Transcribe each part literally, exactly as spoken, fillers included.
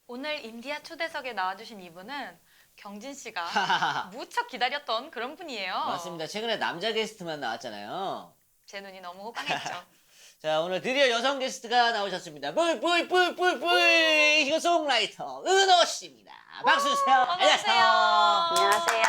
오늘 인디아 초대석에 나와주신 이분은 경진 씨가 무척 기다렸던 그런 분이에요. 맞습니다. 최근에 남자 게스트만 나왔잖아요. 제 눈이 너무 호강했죠. 자, 오늘 드디어 여성 게스트가 나오셨습니다. 뿌이뿌이뿌이뿌이 싱어송라이터 은호 씨입니다. 박수 주세요. 안녕하세요. 안녕하세요.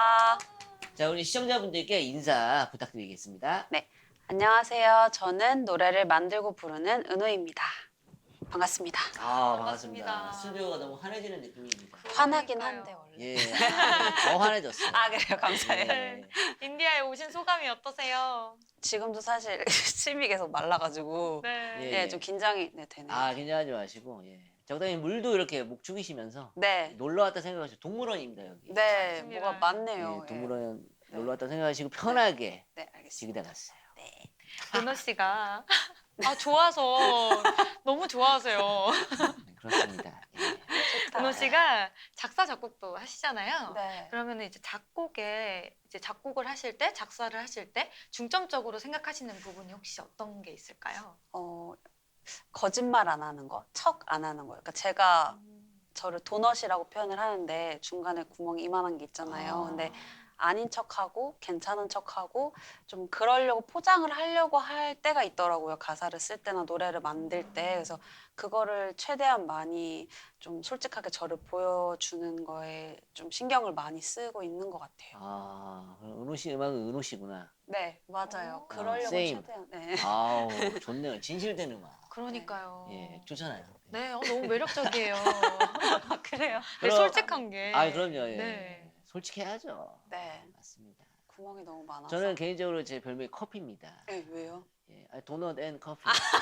자, 우리 시청자분들께 인사 부탁드리겠습니다. 네, 안녕하세요. 저는 노래를 만들고 부르는 은호입니다. 반갑습니다. 아, 반갑습니다. 반갑습니다. 스튜디오가 너무 환해지는 느낌입니다. 화나긴 그러니까요. 한데 원래. 예, 아, 더 환해졌어요. 아 그래요, 감사해요. 예. 인디아에 오신 소감이 어떠세요? 지금도 사실 침이 계속 말라가지고 네. 예. 네, 좀 긴장이 네, 되네요. 아, 긴장하지 마시고, 예. 적당히 물도 이렇게 목 죽이시면서 네, 놀러 왔다 생각하시고, 동물원입니다, 여기. 네, 맞습니다. 뭐가 많네요. 예, 동물원 네. 놀러 왔다 생각하시고, 편하게 네, 알겠습니다. 지기다 갔어요. 네. 은호 씨가 아 좋아서 너무 좋아하세요. 네, 그렇습니다. 예. 좋다. 은호 씨가 작사 작곡도 하시잖아요. 네. 그러면 이제 작곡에 이제 작곡을 하실 때 작사를 하실 때 중점적으로 생각하시는 부분이 혹시 어떤 게 있을까요? 어 거짓말 안 하는 거, 척 안 하는 거. 그러니까 제가 저를 도넛이라고 표현을 하는데 중간에 구멍이 이만한 게 있잖아요. 아. 근데 아닌 척하고 괜찮은 척하고 좀 그러려고 포장을 하려고 할 때가 있더라고요. 가사를 쓸 때나 노래를 만들 때. 그래서 그거를 최대한 많이 좀 솔직하게 저를 보여주는 거에 좀 신경을 많이 쓰고 있는 것 같아요. 아, 그럼 은호 씨 음악은 은호 씨구나. 네, 맞아요. 오. 그러려고 아, same. 최대한. 네. 아우, 좋네요. 진실된 음악. 그러니까요. 예, 좋잖아요. 네, 어, 너무 매력적이에요. 그래요? 네, 그럼- 솔직한 게. 아, 그럼요. 예. 네. 솔직해야죠. 네. 맞습니다. 구멍이 너무 많아서. 저는 개인적으로 제 별명이 커피입니다. 네, 왜요? 예, 아, 도넛 앤 커피.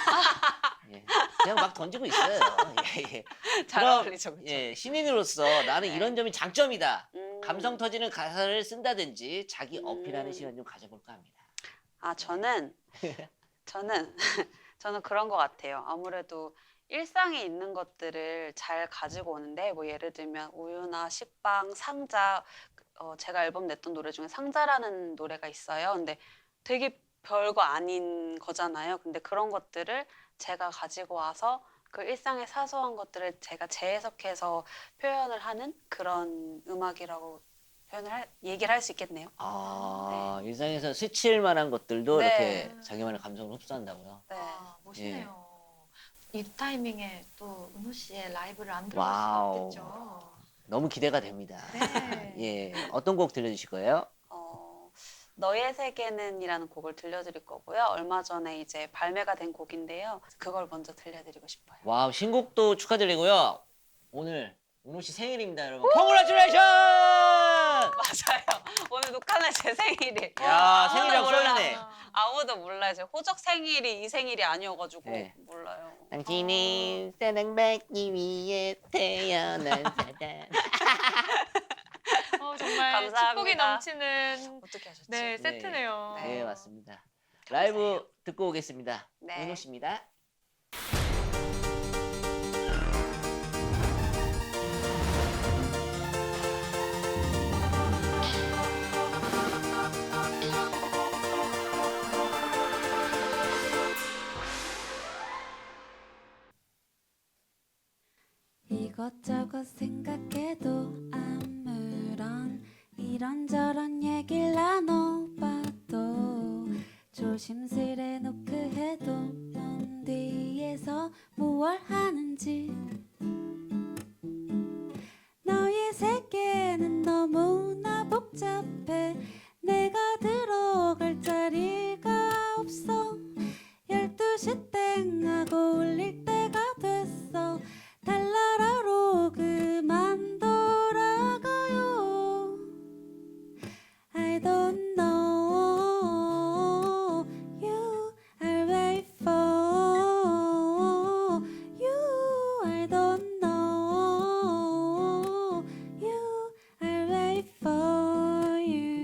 예, 그냥 막 던지고 있어요. 예, 예. 잘 그럼, 어울리죠, 그쵸? 예, 신인으로서 나는 네. 이런 점이 장점이다. 음. 감성 터지는 가사를 쓴다든지 자기 음. 어필하는 시간 좀 가져볼까 합니다. 아, 저는 저는 저는 그런 것 같아요. 아무래도 일상에 있는 것들을 잘 가지고 오는데 뭐 예를 들면 우유나 식빵, 상자 어, 제가 앨범 냈던 노래 중에 상자라는 노래가 있어요. 근데 되게 별거 아닌 거잖아요. 근데 그런 것들을 제가 가지고 와서 그 일상의 사소한 것들을 제가 재해석해서 표현을 하는 그런 음악이라고 표현을 할, 얘기를 할 수 있겠네요. 아, 일상에서 스칠 만한 것들도 네. 이렇게 자기만의 감성을 흡수한다고요. 네. 아, 멋있네요. 이 타이밍에 또 은호 씨의 라이브를 안 들어볼 수가 와우. 없겠죠. 너무 기대가 됩니다. 네. 예, 어떤 곡 들려주실 거예요? 어, 너의 세계는이라는 곡을 들려드릴 거고요. 얼마 전에 이제 발매가 된 곡인데요. 그걸 먼저 들려드리고 싶어요. 와우, 신곡도 축하드리고요. 오늘 은호 씨 생일입니다, 여러분. 콩그라츄레이션! 맞아요. 오늘 녹화는 제 생일이에요. 야, 아무도 생일이라고 몰라. 써있네. 아무도 몰라요. 제 호적 생일이 이 생일이 아니어가지고 네. 몰라요. 당신이 사랑받기 위해 태어난 사람. 어, 정말 감사합니다. 축복이 넘치는 어떻게 하셨지? 네, 세트네요. 네. 네, 맞습니다. 라이브 듣고 오겠습니다. 네. 은호 씨입니다. 이것저것 생각해도 아무런 이런저런 얘기를 나눠봐도 조심스레 노크해도 넌 뒤에서 무얼 하는지 너의 세계는 너무나 복잡해 내가 들어갈 자리가 없어 열두 시 땡 하고 울릴 때가 됐어 달나라로 그만 돌아가요 I don't know you I'll wait for you I don't know you I'll wait for you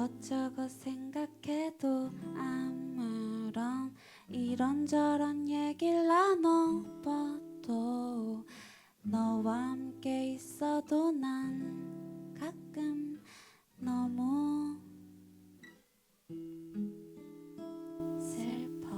이것저것 생각해도 아무런 이런저런 얘기를 나눠봐도 너와 함께 있어도 난 가끔 너무 슬퍼.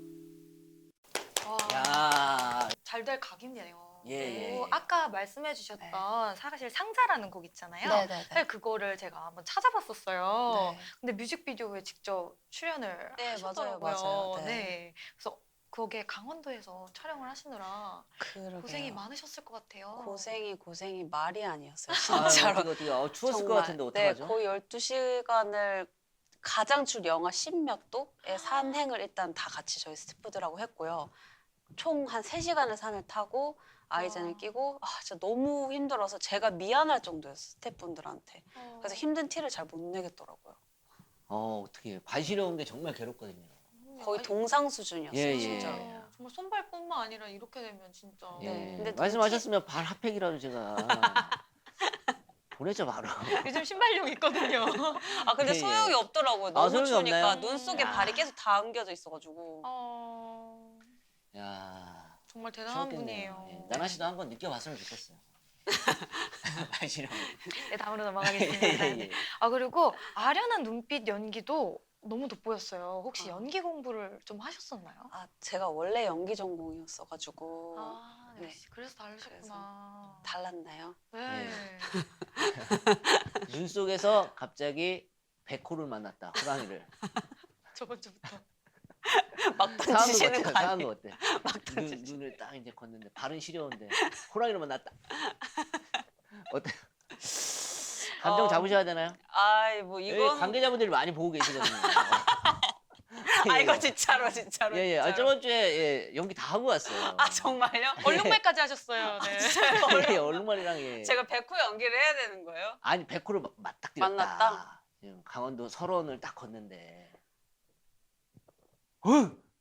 와, 야, 잘 될 각이네요. 예, 예, 그리고 예. 아까 말씀해주셨던 사실 상자라는 곡 있잖아요. 네네네. 사실 그거를 제가 한번 찾아봤었어요. 네. 근데 뮤직비디오에 직접 출연을 네, 하셨더라고요. 맞아요, 맞아요. 네. 네. 그래서 거기에 강원도에서 촬영을 하시느라 그러게요. 고생이 많으셨을 것 같아요. 고생이 고생이 말이 아니었어요. 아유, 진짜로. 어떻게 어떻게 어, 추웠을 것 정말. 같은데 네, 어떡하죠? 거의 열두 시간을 가장 줄 영하 십몇 도의 산행을 일단 다 같이 저희 스태프들하고 했고요. 총 한 세 시간을 산을 타고 아이젠을 와. 끼고 아, 진짜 너무 힘들어서 제가 미안할 정도였어요, 스태프분들한테. 어. 그래서 힘든 티를 잘 못 내겠더라고요. 어, 어떻게 발 시려운 게 정말 괴롭거든요. 거의 아니, 동상 수준이었어요, 예, 예. 진짜. 예. 정말 손발뿐만 아니라 이렇게 되면 진짜. 예. 네, 근데 말씀하셨으면 발 핫팩이라도 제가 보내죠 바로. 요즘 신발용 있거든요. 아 근데 예, 예. 소용이 없더라고요. 아, 너무 소용이 추우니까 없나요? 눈 속에 야. 발이 계속 다 엉겨져 있어가지고. 어, 야, 정말 대단한 추웠겠네요. 분이에요. 예. 나나 씨도 한번 느껴봤으면 좋겠어요. 발 시려운 거. 네, 다음으로 넘어가겠습니다. 예, 예. 아 그리고 아련한 눈빛 연기도 너무 돋보였어요. 혹시 아. 연기 공부를 좀 하셨었나요? 아 제가 원래 연기 전공이었어가지고 아, 네. 역시 그래서 다르셨구나. 달랐나요? 네. 눈 속에서 갑자기 백호를 만났다. 호랑이를. 저번 주부터. 막 상황도 던지시는 어때? 거 상황도 아니에요? 어때? 막 눈, 던지시. 눈을 딱 이제 걷는데 발은 시려운데 호랑이를 만났다. 어때? 감정 어. 잡으셔야 되나요? 아이 뭐 여기 이건 관계자분들이 많이 보고 계시거든요. 아 이거 진짜로 진짜로. 예, 예. 아, 진짜로. 저번 주에 예, 연기 다 하고 왔어요. 아 정말요? 얼룩말까지 하셨어요. 네. 예, 얼룩말이랑 예. 제가 백호 연기를 해야 되는 거예요? 아니 백호를 마- 맞닥뜨렸다. 만났다? 지금 강원도 설원을 딱 걷는데. 어?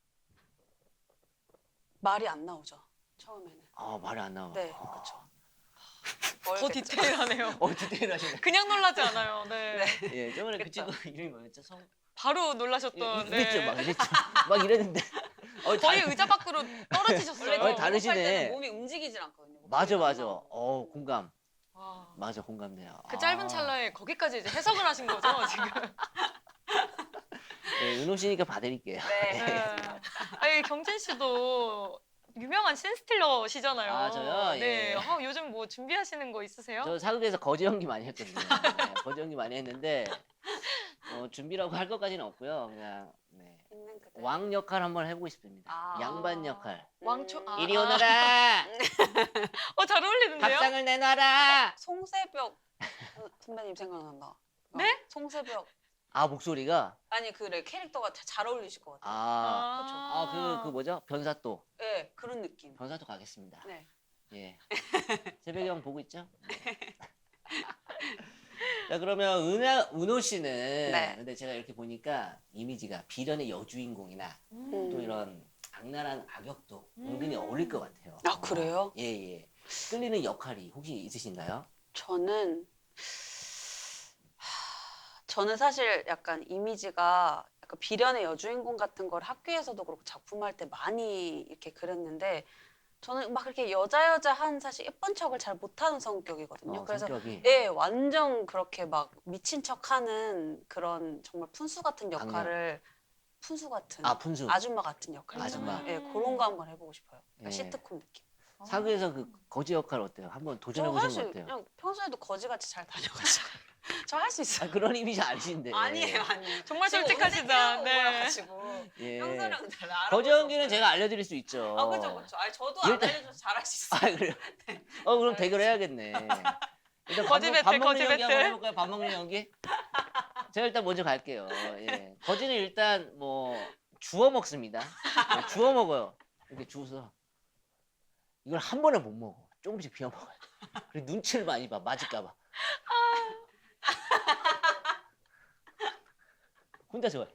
말이 안 나오죠 처음에는. 아 말이 안 나와. 네, 아. 그쵸. 더 모르겠죠. 디테일하네요. 어 디테일하시네. 그냥 놀라지 않아요. 네. 예, 저번에 그 그쵸. 친구 이름이 뭐였죠? 성. 바로 예, 놀라셨던. 이랬죠, 네. 막 이랬죠. 막 이랬는데. 어, 거의 다- 의자 밖으로 떨어지셨어요. 원래 어, 저 다르시네. 녹음할 때는 몸이 움직이질 않거든요. 맞아, 목소리가 안 맞아. 나오고. 어 공감. 와. 맞아, 공감돼요. 그 짧은 아. 찰나에 거기까지 이제 해석을 하신 거죠 지금. 네, 은호 씨니까 봐드릴게요. 네. 네. 아니 경진 씨도 유명한 신스틸러시잖아요. 아, 저요? 예. 네. 아, 요즘 뭐 준비하시는 거 있으세요? 저 사극에서 거지 연기 많이 했거든요. 네, 거지 연기 많이 했는데 어, 준비라고 할 것까지는 없고요. 그냥 네. 있는 그대로. 왕 역할 한번 해보고 싶습니다. 아. 양반 역할. 왕초. 음. 아, 이리 아. 오너라. 어, 잘 어울리는데요? 밥상을 내놔라. 송새벽 어, 선배님 생각난다. 어, 네? 송새벽 아 목소리가 아니 그래 캐릭터가 자- 잘 어울리실 것 같아요. 아, 아 그 그 뭐죠? 변사또. 네 그런 느낌. 변사또 가겠습니다. 네. 예. 새벽에 형 보고 있죠? 네. 자 그러면 은하, 은호 씨는 네. 근데 제가 이렇게 보니까 이미지가 비련의 여주인공이나 음. 또 이런 악랄한 악역도 음. 은근히 어울릴 것 같아요. 아, 그래요? 예, 예. 끌리는 역할이 혹시 있으신가요? 저는 하, 저는 사실 약간 이미지가 약간 비련의 여주인공 같은 걸 학교에서도 그렇고 작품할 때 많이 이렇게 그렸는데 저는 막 그렇게 여자 여자한 사실 예쁜 척을 잘 못하는 성격이거든요. 어, 그래서 성격이. 예, 완전 그렇게 막 미친 척하는 그런 정말 푼수 같은 역할을 푼수 같은 아, 푼수. 아줌마 같은 역할 아줌마. 있잖아요. 예, 그런 거 한번 해보고 싶어요. 그러니까 예. 시트콤 느낌. 사극에서 그 거지 역할 어때요? 한번 저 도전해 보시는 거 사실 어때요? 그냥 평소에도 거지같이 잘 다녀가지고 저 할 수 있어요. 아, 그런 이미지 아니신데. 아니에요, 아니에요. 정말 지금 솔직하시다. 오늘 네. 가지고 예. 평소랑은 달라. 알아볼 거지 수 연기는 없어요. 제가 알려드릴 수 있죠. 아 그죠 그죠. 아니 저도 일단- 안 알려줘서 잘할 수 아 있어요. 그래요? 어 그럼 대결해야겠네. 일단 밥, 거지 먹- 배틀, 밥 먹는 거지 연기 한번 배틀. 해볼까요? 밥 먹는 연기? 제가 일단 먼저 갈게요. 예. 거지는 일단 뭐 주워 먹습니다. 예, 주워 먹어요. 이렇게 주워서 이걸 한 번에 못 먹어. 조금씩 비워 먹어요. 그리고 눈치를 많이 봐. 맞을까봐. 혼자 좋아해.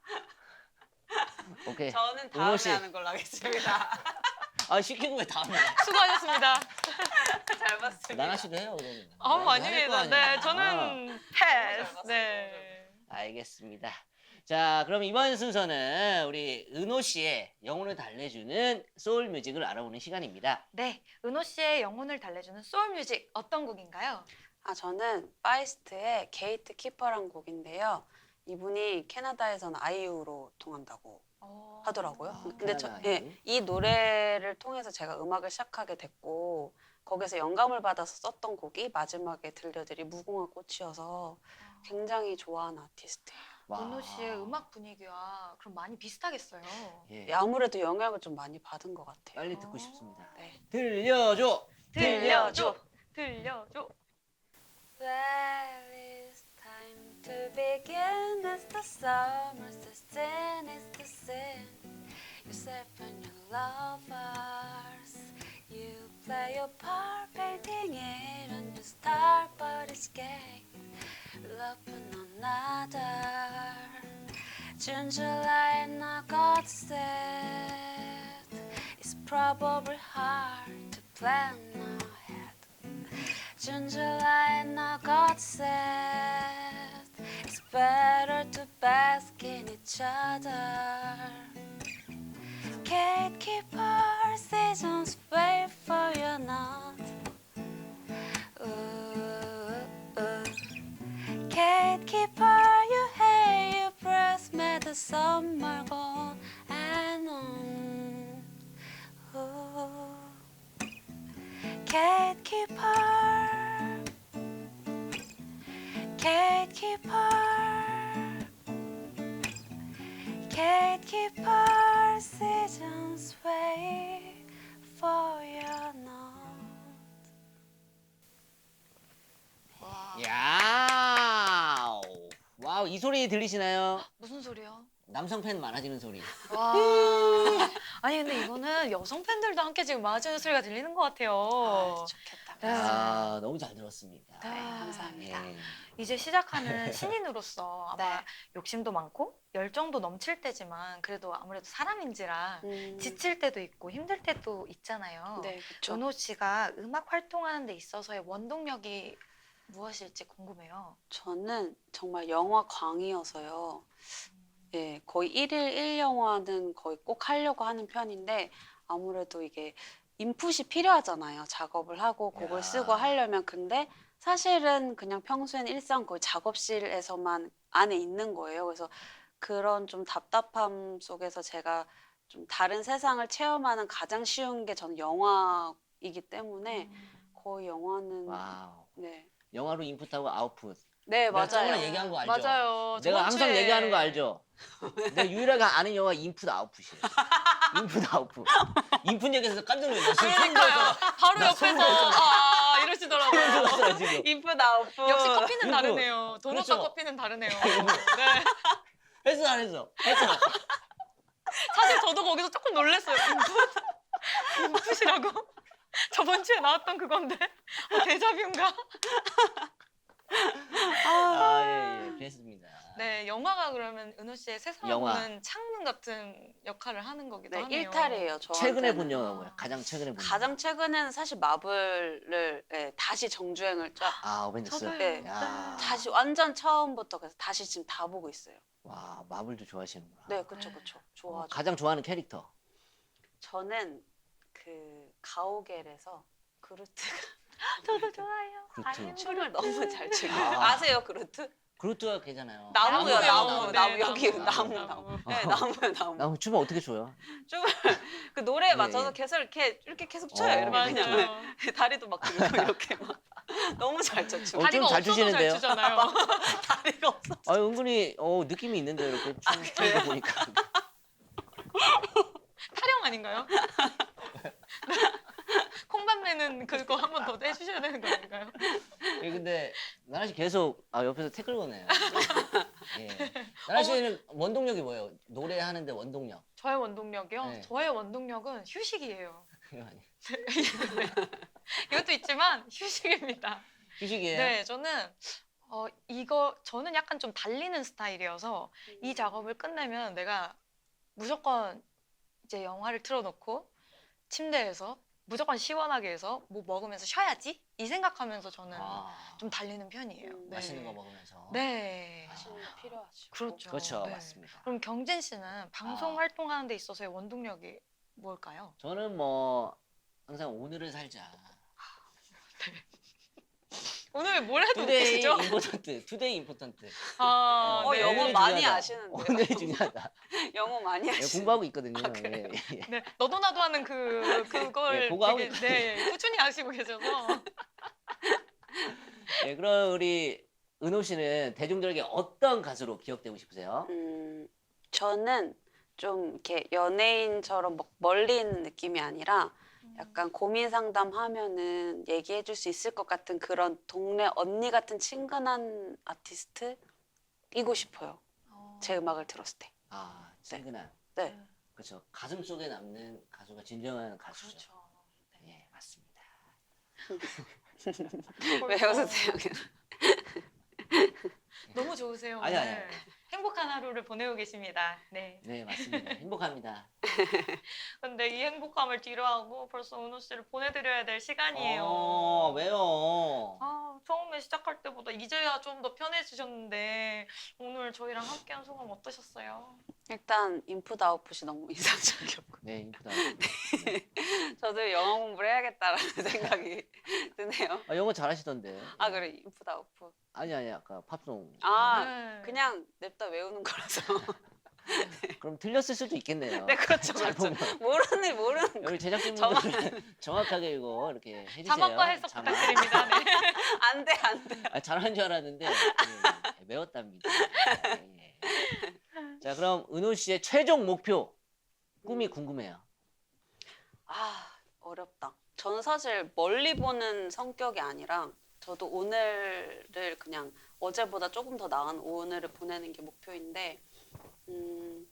오케이. 저는 은호 다음에 씨. 하는 걸로 하겠습니다. 아 시키는 왜 다음에? 수고하셨습니다. 잘 봤습니다. 나나 씨도 해요. 그러면. 아, 나나 아닙니다. 할거 아니야. 네, 저는 잘 패스. 봤어요, 네. 알겠습니다. 자, 그럼 이번 순서는 우리 은호 씨의 영혼을 달래주는 소울 뮤직을 알아보는 시간입니다. 네, 은호 씨의 영혼을 달래주는 소울 뮤직 어떤 곡인가요? 아, 저는 파이스트의 게이트 키퍼란 곡인데요. 이분이 캐나다에서는 아이유로 통한다고 어... 하더라고요. 아, 근데 저, 캐나다 예, 아이유? 이 노래를 통해서 제가 음악을 시작하게 됐고 거기서 영감을 받아서 썼던 곡이 마지막에 들려드린 무궁화 꽃이어서 굉장히 좋아하는 아티스트예요. 와. 은호 씨의 음악 분위기와 그럼 많이 비슷하겠어요. 예, 예, 아무래도 영향을 좀 많이 받은 것 같아요. 빨리 듣고 어. 싶습니다. 네. 들려줘. 들려줘, 들려줘. Well, it's time to begin as the summer season is the sin. Yourself and your lovers, you play your part, painting it on your star, but it's gay. Loving another. June, July, and August. It's probably hard to plan ahead. June, July, and August. It's better to bask in each other. Gatekeeper seasons wait for your nod. Ooh, ooh. Gatekeeper, you hate your breath, made the summer go and on. Ooh. Gatekeeper, gatekeeper, gatekeeper, seasons wait for your nod. 야, 와우, 이 소리 들리시나요? 무슨 소리요? 남성 팬 많아지는 소리. 와. 아니 근데 이거는 여성 팬들도 함께 지금 맞아주는 소리가 들리는 것 같아요. 아, 좋겠다. 네. 아, 너무 잘 들었습니다. 네, 감사합니다. 예. 이제 시작하는 신인으로서 아마 네. 욕심도 많고 열정도 넘칠 때지만 그래도 아무래도 사람인지라 음, 지칠 때도 있고 힘들 때도 있잖아요. 네, 그렇죠. 은호 씨가 음악 활동하는 데 있어서의 원동력이 무엇일지 궁금해요. 저는 정말 영화 광이어서요. 예, 거의 일일 일 영화는 거의 꼭 하려고 하는 편인데 아무래도 이게 인풋이 필요하잖아요. 작업을 하고 곡을 야. 쓰고 하려면. 근데 사실은 그냥 평소에는 일상 거의 작업실에서만 안에 있는 거예요. 그래서 그런 좀 답답함 속에서 제가 좀 다른 세상을 체험하는 가장 쉬운 게 저는 영화이기 때문에 음. 거의 영화는 와우. 네, 영화로 인풋하고 아웃풋. 네 내가 저번에 맞아요. 얘기한 거 알죠? 맞아요. 내가 저번 항상 주에 얘기하는 거 알죠? 내가 유일하게 아는 영화 인풋 아웃풋이에요. 인풋 아웃풋. 인풋 얘기해서 깜짝 놀랐어. 그러니까요. 바로 나 옆에서 소름 돋았어. 아 소름 이러시더라고요. 돋았어요, 지금. 인풋 아웃풋. 역시 커피는 인풋. 다르네요. 도넛과 그렇죠. 커피는 다르네요. 네. 했어, 안 했어? 했어. 사실 저도 거기서 조금 놀랐어요. 인풋? 인풋이라고? 저번 주에 나왔던 그건데 어, 데자뷰인가? 아, 예, 예. 그랬습니다. 네, 영화가 그러면 은호 씨의 세상을 영화. 보는 창문 같은 역할을 하는 거기도 네, 하네요. 일탈이에요. 저 최근에 본 영화가 뭐야? 가장 최근에 본 가장 영화. 최근에는 사실 마블을 예, 다시 정주행을 쫙 아, 어벤져스. 저도요. 네. 야. 다시 완전 처음부터 그래서 다시 지금 다 보고 있어요. 와, 마블도 좋아하시는구나. 네, 그렇죠, 네. 그렇죠. 어, 좋아하죠. 가장 좋아하는 캐릭터. 저는 그 가오갤에서 그루트가 저도 좋아요. 그루트. 아이엠 춤을 너무 잘 추고 아. 아세요, 그루트? 그루트가 걔잖아요. 나무요, 나무요. 나무, 네, 나무 여기 나무, 나무, 나무. 나무. 네, 나무요, 나무. 나 춤을 어떻게 춰요? 춤을 그 노래에 예, 맞춰서 예. 계속 이렇게 이렇게 계속 춰요. 어, 이렇게 맞아요. 그냥 다리도 막 들고 이렇게 막 너무 잘 춰. 춤. 어, 다리가 좀 잘 없어도 추시는데요? 잘 추잖아요. 다리가 없어. 아, 은근히 어, 느낌이 있는데 이렇게 춤 추는 거 보니까. 타령 아닌가요? 콩밤매는 그거 한 번 더 해주셔야 되는 거 아닌가요? 예, 근데 나나 씨 계속 아, 옆에서 태클 거네요. 예. 나나 씨는 원동력이 뭐예요? 노래하는데 원동력. 저의 원동력이요? 네. 저의 원동력은 휴식이에요. 이거 아니에요. 이것도 있지만 휴식입니다. 휴식이에요? 네, 저는 어 이거 저는 약간 좀 달리는 스타일이어서 이 작업을 끝내면 내가 무조건 이제 영화를 틀어놓고 침대에서 무조건 시원하게 해서 뭐 먹으면서 쉬어야지 이 생각하면서 저는 아, 좀 달리는 편이에요. 음, 네. 맛있는 거 먹으면서. 네. 하시는 게 필요하죠. 그렇죠. 그렇죠, 네. 맞습니다. 그럼 경진 씨는 방송 아. 활동하는 데 있어서의 원동력이 뭘까요? 저는 뭐 항상 오늘을 살자. 오늘 뭘 해도 투데이 웃기시죠? 임포턴트, 투데이 임포턴트. 아, 어, 네. 영어 오늘이 많이 중요하다. 아시는데요? 오늘이 중요하다. 영어 많이 예, 하시는. 공부하고 있거든요. 아, 그래요? 예, 예. 네, 너도 나도 하는 그 그걸 네, 그거 하고 되게 있거든요. 네, 꾸준히 하시고 계셔서 예, 그럼 우리 은호 씨는 대중들에게 어떤 가수로 기억되고 싶으세요? 음, 저는 좀 이렇게 연예인처럼 막 멀리 있는 느낌이 아니라 약간 고민 상담하면은 얘기해 줄 수 있을 것 같은 그런 동네 언니 같은 친근한 아티스트이고 싶어요. 어, 제 음악을 들었을 때. 아, 친근한. 네. 그렇죠. 가슴 속에 남는 가수가 진정한 가수죠. 그렇죠. 예, 맞습니다. 왜 웃으세요? 너무 좋으세요. 아니, 아니, 오늘. 아니. 행복한 하루를 보내고 계십니다. 네. 네, 맞습니다. 행복합니다. 근데 이 행복함을 뒤로하고 벌써 은호 씨를 보내드려야 될 시간이에요. 어, 왜요? 아, 처음에 시작할 때보다 이제야 좀 더 편해지셨는데 오늘 저희랑 함께한 소감 어떠셨어요? 일단 인풋 아웃풋이 너무 인상적이었고 네, 이쁘다. 저도 영어 공부를 해야겠다라는 생각이 드네요. 아, 영어 잘하시던데. 아 그래 인풋 아웃풋. 아니, 아니, 아까 팝송. 아 네. 그냥 냅다 외우는 거라서. 그럼 틀렸을 수도 있겠네요. 네 그렇죠 잘 그렇죠. 보면. 모르는 모르는 거. 여기 제작진분들 정확하게 이거 이렇게 해주세요. 자막과 해석 자막. 부탁드립니다. 네. 안돼 안돼. 아, 잘하는 줄 알았는데 예, 예, 외웠답니다. 예, 예. 자, 그럼 은호 씨의 최종 목표 꿈이 궁금해요. 아 어렵다. 저는 사실 멀리 보는 성격이 아니라 저도 오늘을 그냥 어제보다 조금 더 나은 오늘을 보내는 게 목표인데 음,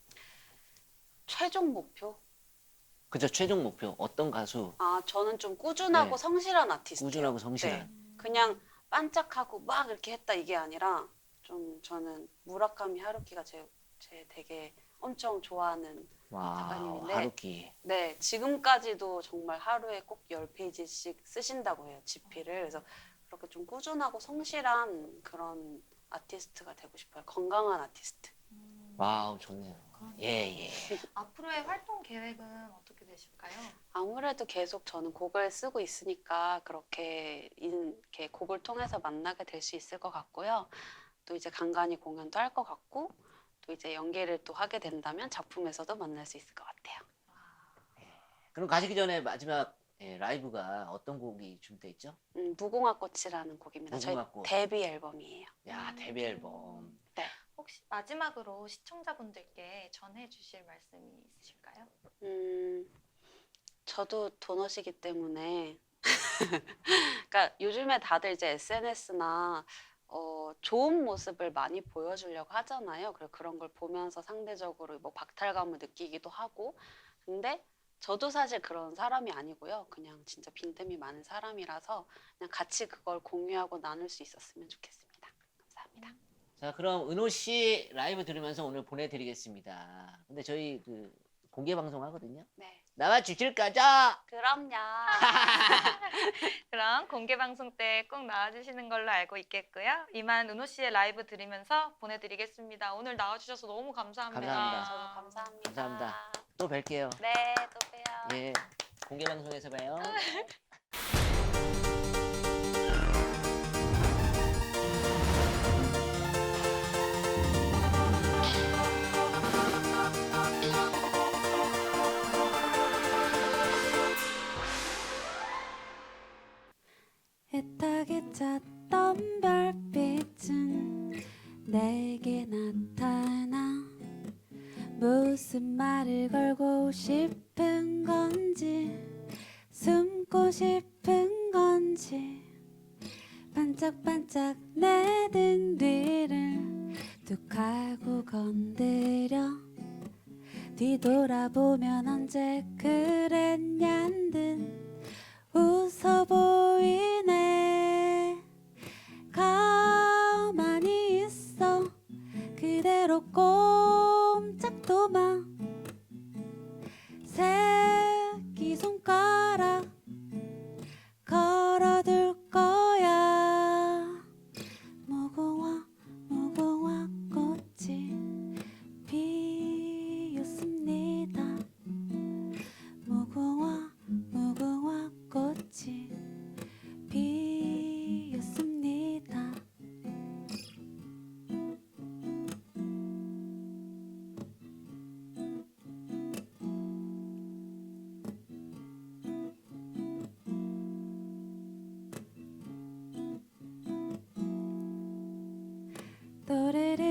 최종 목표? 그죠? 최종 목표 어떤 가수? 아 저는 좀 꾸준하고 네. 성실한 아티스트. 꾸준하고 성실한. 네. 그냥 반짝하고 막 이렇게 했다 이게 아니라 좀 저는 무라카미 하루키가 제, 제 되게 엄청 좋아하는 와, 작가님인데. 하루키. 네 지금까지도 정말 하루에 꼭 열 페이지씩 쓰신다고 해요 지피를. 그래서 그렇게 좀 꾸준하고 성실한 그런 아티스트가 되고 싶어요. 건강한 아티스트. 와우, 좋네요. 예, 예. 앞으로의 활동 계획은 어떻게 되실까요? 아무래도 계속 저는 곡을 쓰고 있으니까 그렇게, 인, 이렇게 곡을 통해서 만나게 될 수 있을 것 같고요. 또 이제 간간히 공연도 할 것 같고 또 이제 연기를 또 하게 된다면 작품에서도 만날 수 있을 것 같아요. 그럼 가시기 전에 마지막 예, 라이브가 어떤 곡이 준비돼 있죠? 음, 무궁화꽃이라는 곡입니다. 무궁화꽃. 저희 데뷔 앨범이에요. 야, 데뷔 앨범. 혹시 마지막으로 시청자분들께 전해주실 말씀이 있으실까요? 음, 저도 도넛이기 때문에 그러니까 요즘에 다들 이제 에스엔에스나 어, 좋은 모습을 많이 보여주려고 하잖아요. 그래서 그런 걸 보면서 상대적으로 뭐 박탈감을 느끼기도 하고 근데 저도 사실 그런 사람이 아니고요. 그냥 진짜 빈틈이 많은 사람이라서 그냥 같이 그걸 공유하고 나눌 수 있었으면 좋겠습니다. 감사합니다. 자, 그럼 은호 씨 라이브 들으면서 오늘 보내드리겠습니다. 근데 저희 그 공개 방송 하거든요. 네, 나와 주실 거죠? 그럼요. 그럼 공개 방송 때 꼭 나와주시는 걸로 알고 있겠고요. 이만 은호 씨의 라이브 들으면서 보내드리겠습니다. 오늘 나와주셔서 너무 감사합니다. 감사합니다. 저도 감사합니다. 감사합니다. 또 뵐게요. 네, 또 봬요. 예, 공개 방송에서 봐요. 애타게 찾던 별빛은 내게 나타나 무슨 말을 걸고 싶은 건지 숨고 싶은 건지 반짝반짝 내 등 뒤를 툭 하고 건드려 뒤돌아보면 언제 그랬냔 듯 웃어 보이네. 가만히 있어 그대로 꼼짝도 마. 새끼손가락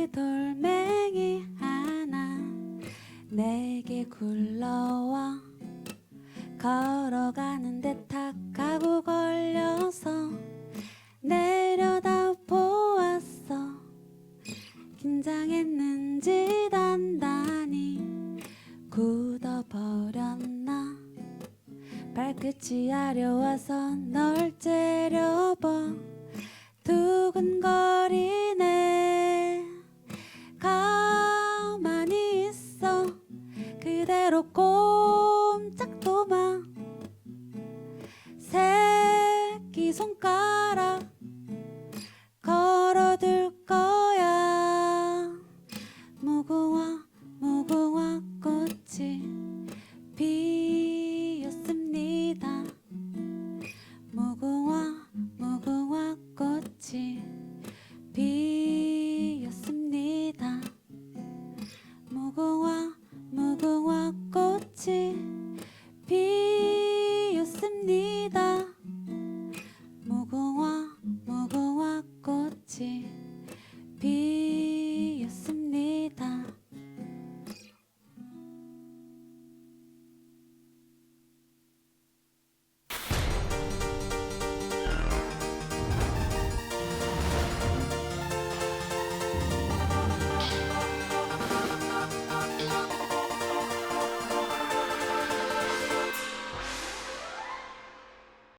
덩치 돌멩이 하나 내게 굴러와 걸어가는데 탁하고 걸려서 내려다 보았어. 긴장했는지 단단히 굳어버렸나. 발끝이 아려와선